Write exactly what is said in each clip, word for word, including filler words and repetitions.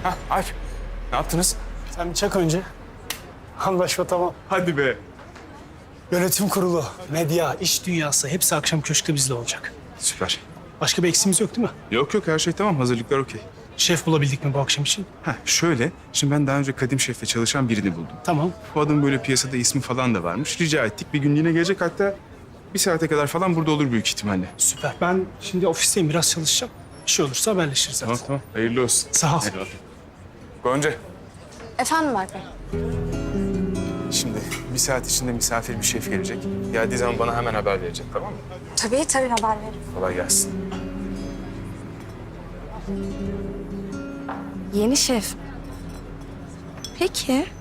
Ha, Alp. Ne yaptınız? Sen bir çak önce. Anlaşma tamam. Hadi be. Yönetim kurulu, medya, iş dünyası hepsi akşam köşkte bizle olacak. Süper. Başka bir eksiğimiz yok değil mi? Yok yok her şey tamam. Hazırlıklar okey. Şef bulabildik mi bu akşam için? Ha şöyle. Şimdi ben daha önce Kadim Şef'le çalışan birini buldum. Tamam. Bu adamın böyle piyasada ismi falan da varmış. Rica ettik. Bir günlüğüne gelecek, hatta bir saate kadar falan burada olur büyük ihtimalle. Süper. Ben şimdi ofisteyim, biraz çalışacağım. Bir şey olursa haberleşiriz zaten. Tamam tamam. Hayırlı olsun. Sağ ol. Eyvallah. Gonca. Efendim Berk Bey? Şimdi bir saat içinde misafir bir şef gelecek. Geldiği zaman bana hemen haber verecek, tamam mı? Tabii tabii haber veririm. Kolay gelsin. Yeni şef. Peki.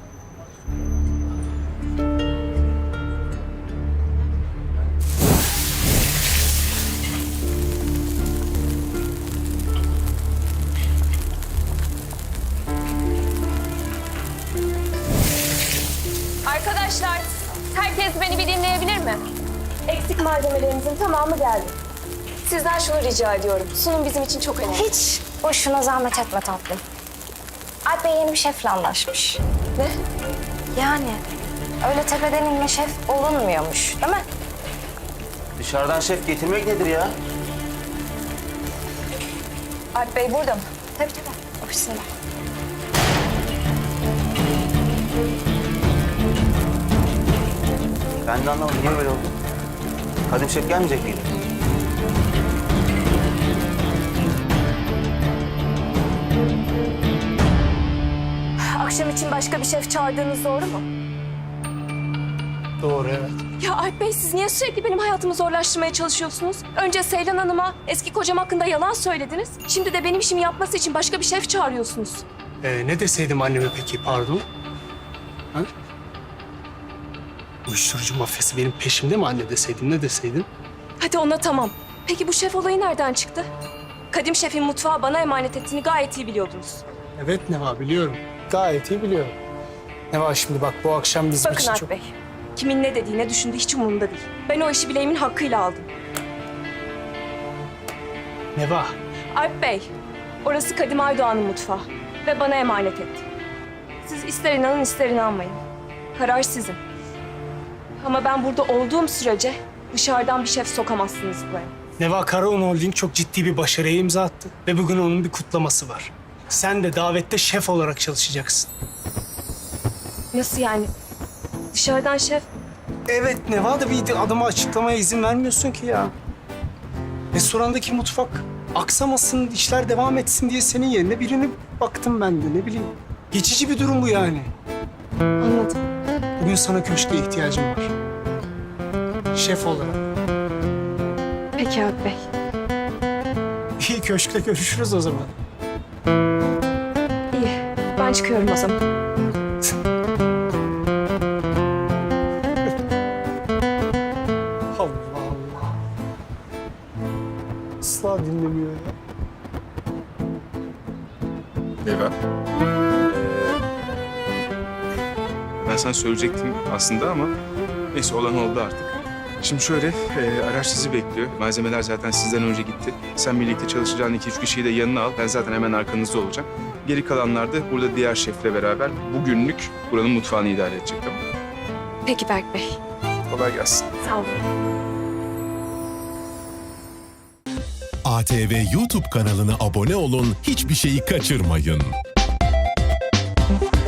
Arkadaşlar, herkes beni bir dinleyebilir mi? Eksik malzemelerimizin tamamı geldi. Sizden şunu rica ediyorum. Sunum bizim için çok önemli. Hiç boşuna zahmet etme tatlım. Alp Bey yeni bir şefle anlaşmış. Ne? Yani öyle tepeden inme şef olunmuyormuş değil mi? Dışarıdan şef getirmek nedir ya? Alp Bey burada mı? Tabii tabii ofisinde. Ben de anlamadım. Niye böyle oldu? Kadim şef gelmeyecek miydi? Akşam için başka bir şef çağırdığınız doğru mu? Doğru, evet. Ya Alp Bey, siz niye sürekli benim hayatımı zorlaştırmaya çalışıyorsunuz? Önce Seylan Hanım'a eski kocam hakkında yalan söylediniz. Şimdi de benim işimi yapması için başka bir şef çağırıyorsunuz. Ee, ne deseydim anneme peki, pardon? Ha? Uyuşturucu mafyası benim peşimde mi anne deseydin, ne deseydin? Hadi ona tamam. Peki bu şef olayı nereden çıktı? Kadim şefin mutfağı bana emanet ettiğini gayet iyi biliyordunuz. Evet Neva, biliyorum. Gayet iyi biliyorum. Neva şimdi bak, bu akşam bizim Bakın için Alp çok... Bey, kimin ne dediği, ne düşündüğü hiç umurumda değil. Ben o işi bileğimin hakkıyla aldım. Neva, Alp Bey, orası Kadim Aydoğan'ın mutfağı ve bana emanet etti. Siz ister inanın ister inanmayın. Karar sizin. Ama ben burada olduğum sürece dışarıdan bir şef sokamazsınız buraya. Neva Karaun Holding çok ciddi bir başarıya imza attı. Ve bugün onun bir kutlaması var. Sen de davette şef olarak çalışacaksın. Nasıl yani? Dışarıdan şef... Evet Neva, da bir adama açıklamaya izin vermiyorsun ki ya. Restorandaki mutfak aksamasın, işler devam etsin diye senin yerine birini baktım ben de, ne bileyim. Geçici bir durum bu yani. Anladım. Bugün sana köşke ihtiyacım var. Şef olarak. Peki Alp Bey. İyi, köşkte görüşürüz o zaman. İyi. Ben çıkıyorum o zaman. Allah Allah. Asla dinlemiyor ya. Neva. Ben sana söyleyecektim aslında ama neyse, olan oldu artık. Şimdi şöyle, e, araç sizi bekliyor. Malzemeler zaten sizden önce gitti. Sen birlikte çalışacağın iki üç kişiyi de yanına al. Ben zaten hemen arkanızda olacağım. Geri kalanlar da burada diğer şefle beraber bugünlük buranın mutfağını idare edecek, tamam mı? Peki Berk Bey. Kolay gelsin. Sağ olun. A T V YouTube kanalına abone olun, hiçbir şeyi kaçırmayın.